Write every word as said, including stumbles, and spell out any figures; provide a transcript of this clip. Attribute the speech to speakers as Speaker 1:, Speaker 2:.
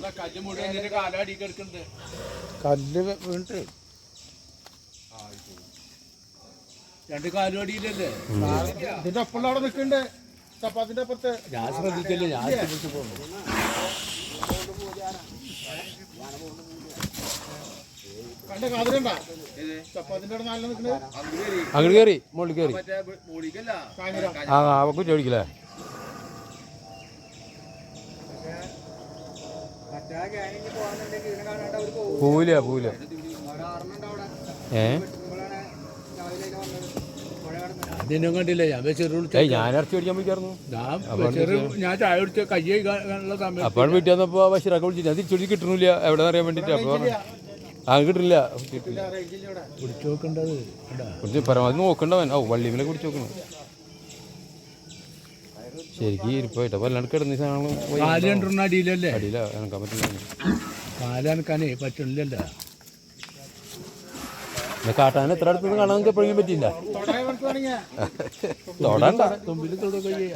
Speaker 1: കല്ല് വീണിട്ട്
Speaker 2: രണ്ട് കാലും അടിയില്ലല്ലേ
Speaker 1: ഇതിന്റെ ഒപ്പം അവിടെ നിൽക്കണ്ടേ ചപ്പാത്തിന്റെ അപ്പുറത്ത്
Speaker 2: ഞാൻ ശ്രദ്ധിക്കല്ലേ ഞാൻ ശ്രദ്ധിച്ചു പോകുന്നു
Speaker 1: കണ്ട കാതിരണ്ടാ ചപ്പാത്തിന്റെ അവിടെ നല്ല നിൽക്കണേ
Speaker 3: അങ്ങോട്ട് കയറി മുകളിൽ കയറി ആ അവക്ക് ചോദിക്കില്ലേ പോവില്ല പോവില്ല ഏ
Speaker 2: അതിനും കണ്ടില്ല ഞാൻ ചെറു
Speaker 3: ഏയ് ഞാൻ ഇറച്ചി മേടിക്കാൻ പോയിക്കായിരുന്നു
Speaker 2: ഞാൻ ചെറു ഞാൻ ചായ കുടിച്ച കയ്യ കാണുള്ള സമയം
Speaker 3: അപ്പോൾ വീട്ടിൽ വന്നപ്പോൾ ബഷീറൊക്കെ വിളിച്ചിട്ട് അത് തിരിച്ചു കിട്ടണില്ല എവിടെ അറിയാൻ വേണ്ടിയിട്ട് അപ്പോൾ ആ കിട്ടില്ല
Speaker 2: കുടിച്ചു നോക്കേണ്ടത്
Speaker 3: കുടിച്ച് പരമാവധി നോക്കണ്ടവൻ ഓ വള്ളിമേലെ കുടിച്ച് നോക്കണം ശരിക്കും ഇരിപ്പായിട്ട് അപ്പോൾ അല്ലാണ്ട് കിടന്ന സാധനങ്ങൾ
Speaker 2: കാല് രണ്ടെണ്ണം അടിയിലല്ലേ
Speaker 3: അടിയില്ല എനക്കാൻ പറ്റില്ല
Speaker 2: കാല് അനക്കാനേ പറ്റണില്ലല്ലോ
Speaker 3: കാട്ടാൻ എത്ര അടുത്ത് കാണാൻ നമുക്ക് എപ്പോഴെങ്കിലും പറ്റില്ല തൊടണ്ട
Speaker 2: തുമ്പിൽ തൊടുക